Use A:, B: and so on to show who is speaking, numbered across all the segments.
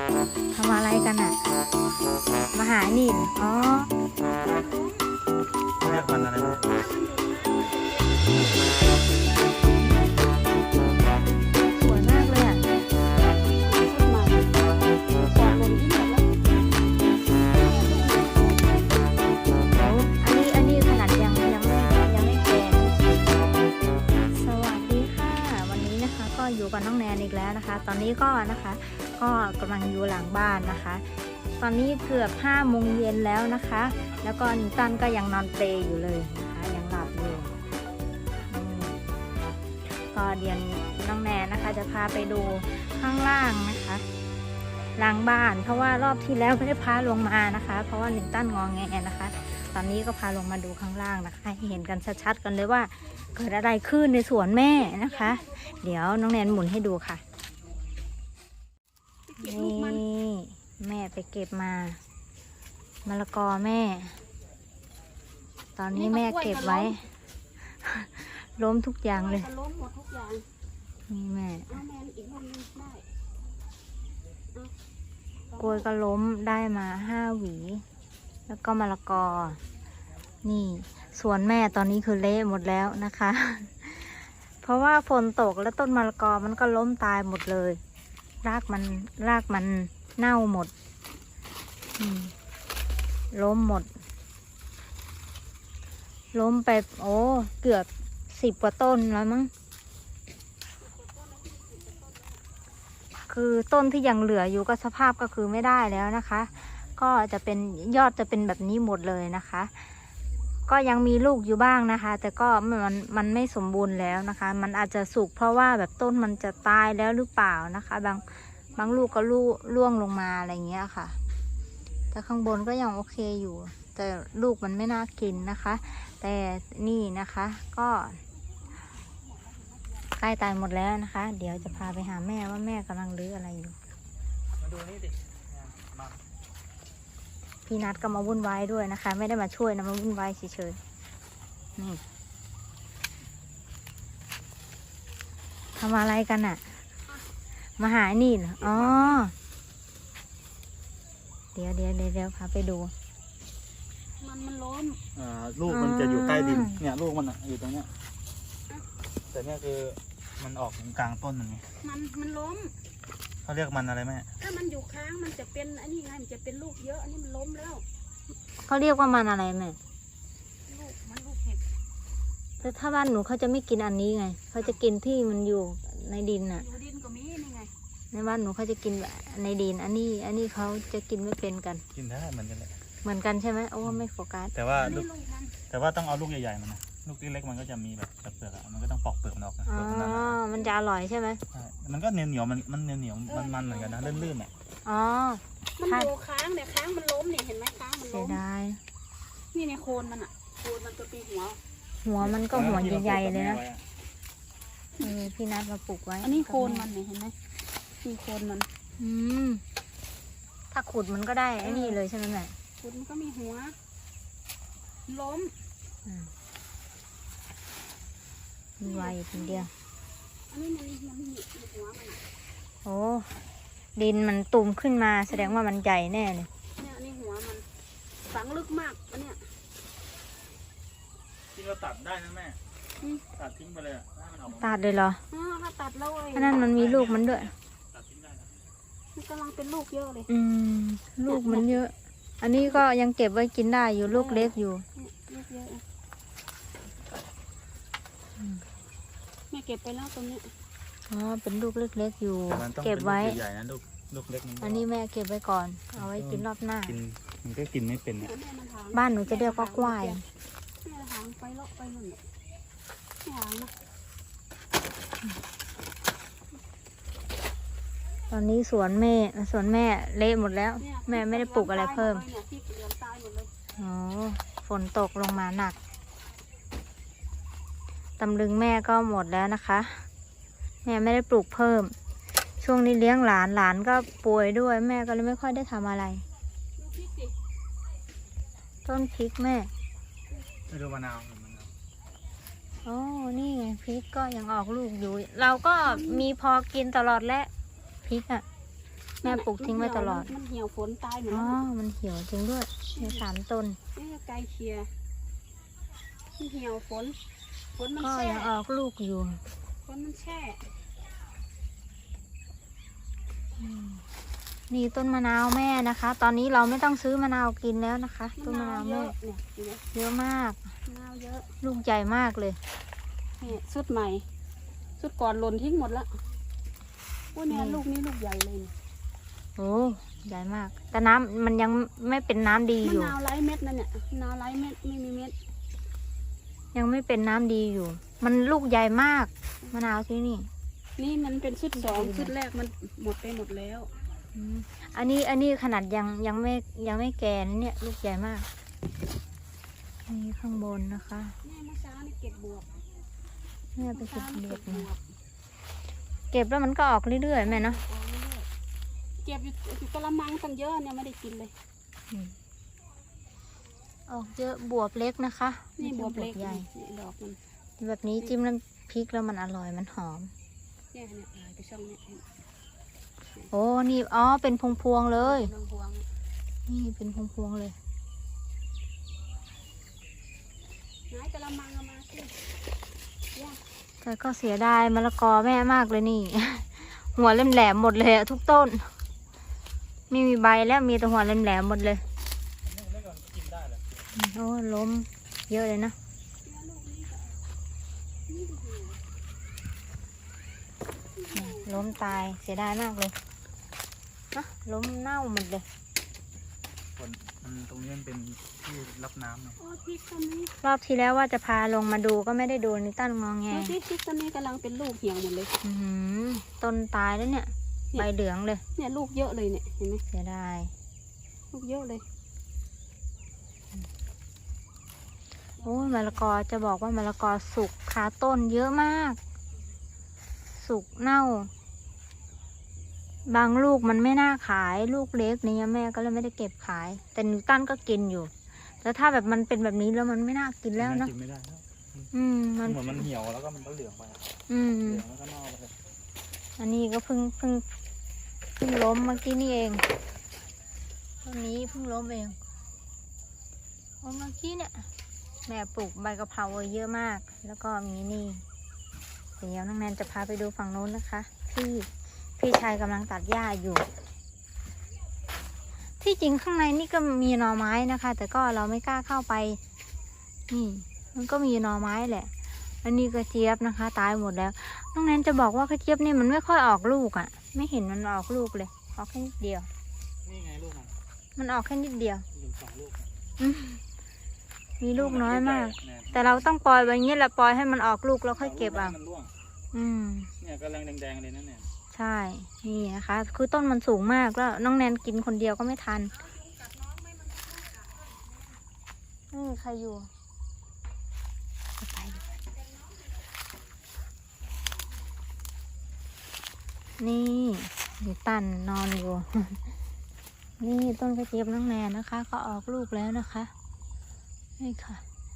A: ทำอะไรกันอ่ะมาหานี่อ๋อ
B: เรียกมันอะไรนะ
A: สวยมากเลยอ่ะอันนี้ขนาดยังไม่แก่สวัสดีค่ะวันนี้นะคะก็อยู่กับน้องแนนอีกแล้วนะคะตอนนี้ก็นะคะก็กำลังอยู่หลังบ้านนะคะตอนนี้เกือบ5 โมงเย็นแล้วนะคะแล้วก็นิวตันก็ยังนอนเปลอยู่เลยนะคะยังหลับอยู่ก็เดี๋ยวน้องแนนนะคะจะพาไปดูข้างล่างนะคะหลังบ้านเพราะว่ารอบที่แล้วไม่ได้พาลงมานะคะเพราะว่านิวตันงอแงนะคะตอนนี้ก็พาลงมาดูข้างล่างนะคะให้เห็นกันชัดๆกันเลยว่าเกิดอะไรขึ้นในสวนแม่นะคะเดี๋ยวน้องแนนหมุนให้ดูค่ะนี่แม่ไปเก็บมามะละกอแม่ตอนนี้แม่เก็บไว้ล้มทุกอย่างเลย
C: ล้มหมดทุกอย่าง
A: นี่แม่
C: เอาแมนอีกคนนึงได้
A: กล้วยก็ล้มได้มา5 หวีแล้วก็มะละกอนี่สวนแม่ตอนนี้คือเละหมดแล้วนะคะเพราะว่าฝนตกแล้วต้นมะละกอมันก็ล้มตายหมดเลยรากมันเน่าหมดล้มหมดล้มไปโอ้เกือบ10 กว่าต้นแล้วมั้งคือต้นที่ยังเหลืออยู่ก็สภาพก็คือไม่ได้แล้วนะคะก็จะเป็นยอดจะเป็นแบบนี้หมดเลยนะคะก็ยังมีลูกอยู่บ้างนะคะแต่ก็มันไม่สมบูรณ์แล้วนะคะมันอาจจะสุกเพราะว่าแบบต้นมันจะตายแล้วหรือเปล่านะคะบางลูกก็ร่วงลงมาอะไรเงี้ยค่ะแต่ข้างบนก็ยังโอเคอยู่แต่ลูกมันไม่น่ากินนะคะแต่นี่นะคะก็ใกล้ตายหมดแล้วนะคะเดี๋ยวจะพาไปหาแม่ว่าแม่กำลังรื้ออะไรอยู่
B: มาดูนี่ดิมา
A: พี่นัดก็มาวุ่นวายด้วยนะคะไม่ได้มาช่วยนะมาวุ่นวายเฉยๆนี่ทำอะไรกันอ่ะมาหานี่เหรออ๋อเดี๋ยวพาไปดู
C: มันล้ม
B: ลูกมันจะอยู่ใต้ดินเนี่ยลูกมันอยู่ตรงเนี้ยแต่เนี่ยคือมันออกกลางต้นมันไง
C: มันล้ม
B: เขาเรียกมันอะไรแม่
C: ถ้ามันอยู่ค้างมันจะเป็นอันนี้ไงมันจะเป็นลูกเยอะอันนี้มันล้มแล้ว
A: เขาเรียกว่ามันอะไรแม่
C: ลูกเห็ด
A: แต่ถ้าบ้านหนูเขาจะไม่กินอันนี้ไงเขาจะกินที่มันอยู่ในดินน่ะ
C: อยู่ดินก็มีนี่ไง
A: ในบ้านหนูเขาจะกินในดินอันนี้เขาจะกินไม่เป็นกัน
B: กินได้เหมือนกันเลย
A: เหมือนกันใช่ไหมโอ้ไม่โฟกัส
B: แต่ว่าต้องเอาลูกใหญ่ๆมันนะลูกเล็กๆมันก็จะมีแบบเปลือกมันก็ต้องปอกเปลือกมันออกนะ
A: อ๋อมันจะอร่อยใช่ไหม
B: ใช่มันก็เหนียวมันเหนียวมันเหมือนกันนะลื่นๆอ่ะ
A: อ๋อ
C: มันอยู่ค้างเนี่ยค้างมันล้มเนี่ยเห็นไหมค้างมันล้ม
A: เสียดาย
C: นี่ในโคนมันอ่ะโคนมันจะปี
A: หัวมันก็หัวใหญ่ๆเลยนะพี่นัดมาปลูกไว้
C: อันนี้โคนมันเนี่ยเห็นไหมมีโคนมัน
A: ถ้าขุดมันก็ได้ไอ้นี่เลยใช่ไหมแม่
C: ขุดมันก็มีหัวล้ม
A: มีไว้คนเดียว
C: อันนี้มันมีหัวมัน
A: โอ้ดินมันตุ่มขึ้นมาแสดงว่ามันใหญ่แน่เลย
C: เนี่ยอันนี้หัวมันฝังลึกมากอันเนี้ย
B: ที่เราตัดได้นะแม่ตัดทิ้งไปเลย
A: ตัดเลยเหรอ
C: ถ้าตัดแล้ว
A: อันนั้นมันมีลูกมันด้วย
C: มันกำลังเป็นลูกเยอะเลย
A: ลูกมันเยอะอันนี้ก็ยังเก็บไว้กินได้อยู่ลูกเล็กอยู่
C: ลูกเยอะแม่เก็บไปแล้วตรงนี้
A: อ๋อเป็นลูกเล็กๆอยู่เก็บไว้
B: ใหญ่นะลูกเล็ก
A: อันนี้แม่เก็บไว้ก่อนเอาไว้กินรอบหน้า
B: มันก็กินไม่เป็นเนี่ย
A: บ้านหนูจะเรียกว่ากล้วย
C: แม่หางไปเลาะไปนู่นเนี่ยหางนะ
A: ตอนนี้สวนแม่เละหมดแล้วแม่ไม่ได้ปลูกอะไรเพิ่มอ๋อฝนตกลงมาหนักตำลึงแม่ก็หมดแล้วนะคะแม่ไม่ได้ปลูกเพิ่มช่วงนี้เลี้ยงหลานก็ป่วยด้วยแม่ก็เลยไม่ค่อยได้ทำอะไรต้นพริกแม่
B: ไม่ดูมะนาว
A: โอ้นี่ไงพริกก็ยังออกลูกอยู่เราก็มีพอกินตลอดและพริกอ่ะแม่ปลูกทิ้งไว้ตลอด
C: มันเหี่ยวฝนตายหมด
A: อ๋อ
C: แล้ว
A: มันเหี่ยวจริงด้วยมี3 ต้น
C: นี่ไกลเคลียร์มันเหี่ยวฝนมัน
A: ก็
C: แช่
A: ยังออกลูกอยู่
C: ฝนมันแช่
A: นี่ต้นมะนาวแม่นะคะ ตอนนี้เราไม่ต้องซื้อมะนาวกินแล้วนะคะ ต้นมะนาว
C: เย
A: แม่
C: อะเนี่ยเห็นไหม
A: เยอะมาก
C: มะนาวเยอะ
A: ลูกใหญ่มากเลย
C: นี่สุดใหม่สุดก่อนหล่นทิ้งหมดแล้วโอ้เนี่ย
A: นี่
C: ลูกนี้ลูกใหญ่เลยเนี่ย
A: โอ้ใหญ่มาก แต่น้ำมันยังไม่เป็นน้ำดี
C: มะ
A: อยู่
C: นาวไร้เม็ดนั่นเนี่ยมะนาวไร้เม็ดไม่มีเม็ด
A: ยังไม่เป็นน้ำดีอยู่ มันลูกใหญ่มากมะนาวที่นี่
C: นี่มันเป็นชุดสองชุดแรกมันหมดไปหมดแล้ว
A: อืมอันนี้ขนาดยังไม่แก่นะเนี่ย ลูกใหญ่มากนี่ข้างบนนะคะ
C: แม่เมื่อเช้านี่เก็บบวบ
A: แม่ไป
C: เมื่อ
A: เก็
C: เช้า
A: บ
C: นี่
A: เบีย
C: เก็
A: ด
C: บบวบ
A: มาเก็บแล้วมันก็ออกเรื่อยๆแม่เนาะ
C: เอาเรื่อยๆเก็บอยู่กระมังตั้งเยอะเนี่ยไม่ได้กินเลย
A: ออกเยอะบวบเล็กนะคะ
C: นี่บวบเล็ก
A: ใหญ่
C: นี่ดอกมัน
A: แบบนี้จิ้มน้ำพริกแล้วมันอร่อยมันหอม
C: เนี่ยไปช่องเนี่ย
A: โอ้นี่อ๋อเป็นพวงๆเลย
C: ลองพวง
A: นี่เป็นพวงๆเลย
C: ไหนกระมังเอามาสิย่า
A: แต่ก็เสียดายมะละกอแม่มากเลยนี่ หัวแหลมๆหมดเลยอะทุกต้นไม่มีใบแล้วมีแต่หัวแหลมๆหมดเลย
B: นี่เล็กก่อนกินได้เลย
A: โอ้ล้มเยอะเลยนะ
C: เนี่ยลูกนี้ก็นี่ดู
A: ล้มตายเสียดายมากเลยนะล้มเน่าหมดเลย
B: คนมันตรงนี้มันเป็นที่รับน้ำเนาะ
C: โอ้พริกต้นนี้
A: รอบที่แล้วว่าจะพาลงมาดูก็ไม่ได้ดูนิตันงอแง
C: ดูสิพริกต้นนี้กำลังเป็นลูกเหี่ยวหมดเลย
A: อื้อหือต้นตายแล้วเนี่ยใบเหลืองเลย
C: เนี่ยลูกเยอะเลยเนี่ยเห็นไหม
A: เสียดาย
C: ลูกเยอะเลย
A: โอ้ยมะละกอจะบอกว่ามะละกอสุกคาต้นเยอะมาก สุกเน่า บางลูกมันไม่น่าขายลูกเล็กเนี่ยแม่ก็เลยไม่ได้เก็บขาย แต่นิวตันก็กินอยู่แต่ถ้าแบบมันเป็นแบบนี้แล้วมันไม่น่ากินแล้วเนอะ
B: กินไม่ได้แล้ว
A: มัน
B: เหมือนมันเหี่ยวแล้วก็มันก็เหลืองไปอะ
A: อืม
B: เหลืองแล้วก็เน่าไปเลย
A: อันนี้ก็เพิ่งล้มเมื่อกี้นี่เองต้นนี้เพิ่งล้มเองเมื่อกี้เนี่ยแม่ปลูกใบกะเพราไว้เยอะมาก แล้วก็มีนี่เดี๋ยวน้องแนนจะพาไปดูฝั่งโน้นนะคะ ที่พี่ชายกำลังตัดหญ้าอยู่ ที่จริงข้างในนี่ก็มีหน่อไม้นะคะ แต่ก็เราไม่กล้าเข้าไป นี่ มันก็มีหน่อไม้แหละ อันนี้กระเจี๊ยบนะคะ ตายหมดแล้วน้องแนนจะบอกว่ากระเจี๊ยบนี่มันไม่ค่อยออกลูกอะ่ะ ไม่เห็นมันออกลูกเลยออกแค่นิดเดียว
B: นี่ไงลูกมัน
A: มันออกแค่นิดเดียว
B: หนึ่งสองลูก
A: อืมมีลูกน้อยมาก
B: เนี่ย
A: แต่เราต้องปล่อยไว้อย่างนี้แหละปล่อยให้มันออกลูกแล้วค่อยเก็บเอา
B: มันร่วง
A: อืม
B: เนี่ยกำลังแดงๆเลยนะเนี่ย
A: ใช่ นี่นะคะ คือต้นมันสูงมากแล้วน้องแนนกินคนเดียวก็ไม่ทันไม่มีใครอยู่ไปดูนี่มีตันนอนอยู่ นี่ต้นกระเจี๊ยบน้องแนนนะคะ ก็ออกลูกแล้วนะคะ นี่ค่ะ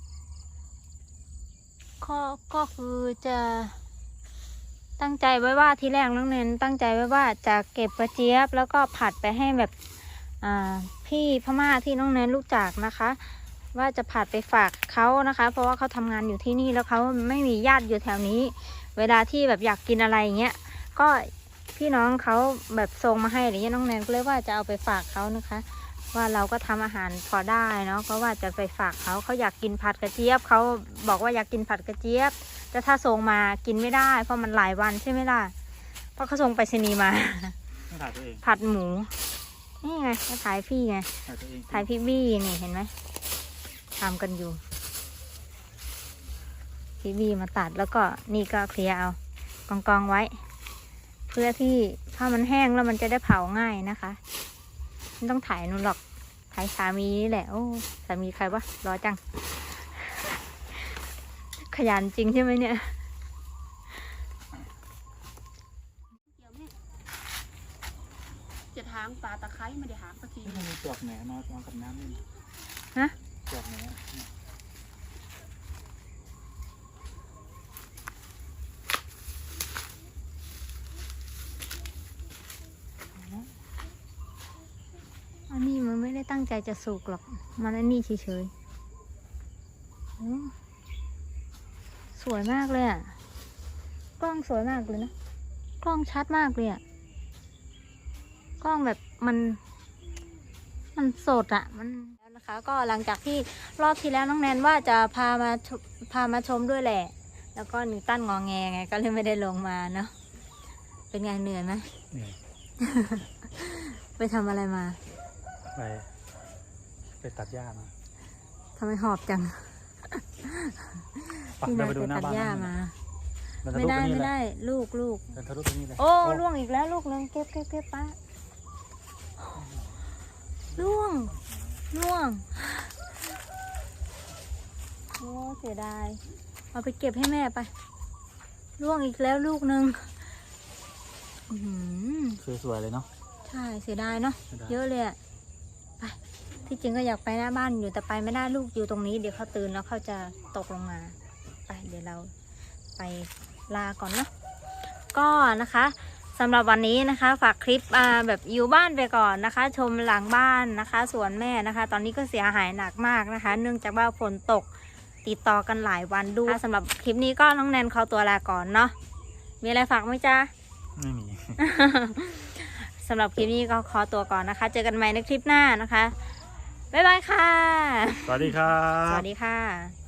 A: ก็คือจะตั้งใจไว้ว่าทีแรกน้องเนนตั้งใจไว้ว่าจะเก็บกระเจี๊ยบแล้วก็ผัดไปให้แบบพี่พม่าที่น้องเนนรู้จักนะคะ ว่าจะผัดไปฝากเขานะคะ เพราะว่าเขาทำงานอยู่ที่นี่แล้วเขาไม่มีญาติอยู่แถวนี้ เวลาที่แบบอยากกินอะไรอย่างเงี้ยก็พี่น้องเขาแบบส่งมาให้อะไรเงี้ยน้องแนนก็เลยว่าจะเอาไปฝากเขานะคะ ว่าเราก็ทำอาหารพอได้เนาะก็ว่าจะไปฝากเขาอยากกินผัดกระเจี๊ยบเขาบอกว่าอยากกินผัดกระเจี๊ยบแต่ถ้าส่งมากินไม่ได้เพราะมันหลายวันใช่ไหมล่ะเพราะเขาส่งไปรษณีย์มา
B: ต้องถ่ายตัวเอง
A: ผัดหมูนี่ไงก็ถ่ายพี่ไง
B: ถ่ายตัวเอง
A: ถ่ายพี่บี้นี่เห็นไหมทำกันอยู่พี่บี้มาตัดแล้วก็นี่ก็เคลียร์เอากองไว้ เพื่อที่ถ้ามันแห้งแล้วมันจะได้เผาง่ายนะคะไม่ต้องถ่ายนู่นหรอกถ่ายสามีนี่แหละโอ้สามีใครวะรอจัง ขยันจริงใช่ไหมเนี่ย
C: เดี๋ยวแม่จะถางป่าตะไคร้ไม่ได้หางสักที
B: นี่มันมีเปลือกแหนมาวางกับน้ำนี่
A: ฮะ
B: เปลือกแหนเนี่ย
A: ได้ตั้งใจจะสุกหรอกมันอันนี้เฉยๆสวยมากเลยอ่ะกล้องสวยมากเลยนะกล้องชัดมากเลยอ่ะกล้องแบบมันสดอ่ะมันแล้วนะคะ ก็หลังจากที่รอบที่แล้วน้องแนนว่าจะพามาชมด้วยแหละ แล้วก็นิวตันงอแงไงก็เลยไม่ได้ลงมาเนาะเป็นไงเหนื่อยไหม
B: เหนื่อย
A: ไปทำอะไรมา
B: ไปตัดหญ้ามา
A: ทำไมหอบจัง
B: ปัก
A: พี่
B: เดิ
A: นาน
B: ไป
A: ไป
B: ดูหน้า
A: ตัด
B: บ้าน
A: หญ้า
B: นั่น
A: มา
B: มันจะ
A: ไม่
B: ลุก
A: ได้
B: ไปนี่
A: ไม่
B: เลย
A: ได้ลูก
B: เดินทะลุไปนี่เลย
A: โอ้ล่วงอีกแล้วลูกนึงเก็บป้าล่วงโอ้เสียดายเอาไปเก็บให้แม่ไปล่วงอีกแล้วลูกนึงอื้อหือ
B: สวยๆเลยเนาะ
A: ใช่เสียดายเนาะ
B: เสียดาย
A: เยอะเลยอะไปที่จริงก็อยากไปหน้าบ้านอยู่แต่ไปไม่ได้ลูกอยู่ตรงนี้เดี๋ยวเขาตื่นแล้วเขาจะตกลงมาไปเดี๋ยวเราไปลาก่อนเนาะก็นะคะสำหรับวันนี้นะคะฝากคลิปแบบอยู่บ้านไปก่อนนะคะ ชมหลังบ้านนะคะสวนแม่นะคะ ตอนนี้ก็เสียหายหนักมากนะคะ เนื่องจากว่าฝนตกติดต่อกันหลายวันด้วยสำหรับคลิปนี้ก็น้องแนนขอตัวลาก่อนเนาะมีอะไรฝากไหมจ๊ะ
B: ไม่มี
A: สำหรับคลิปนี้ก็ขอตัวก่อนนะคะ เจอกันใหม่ในคลิปหน้านะคะ บ๊ายบายค่ะ
B: สวัสดีครับ
A: สวัสดีค่ะ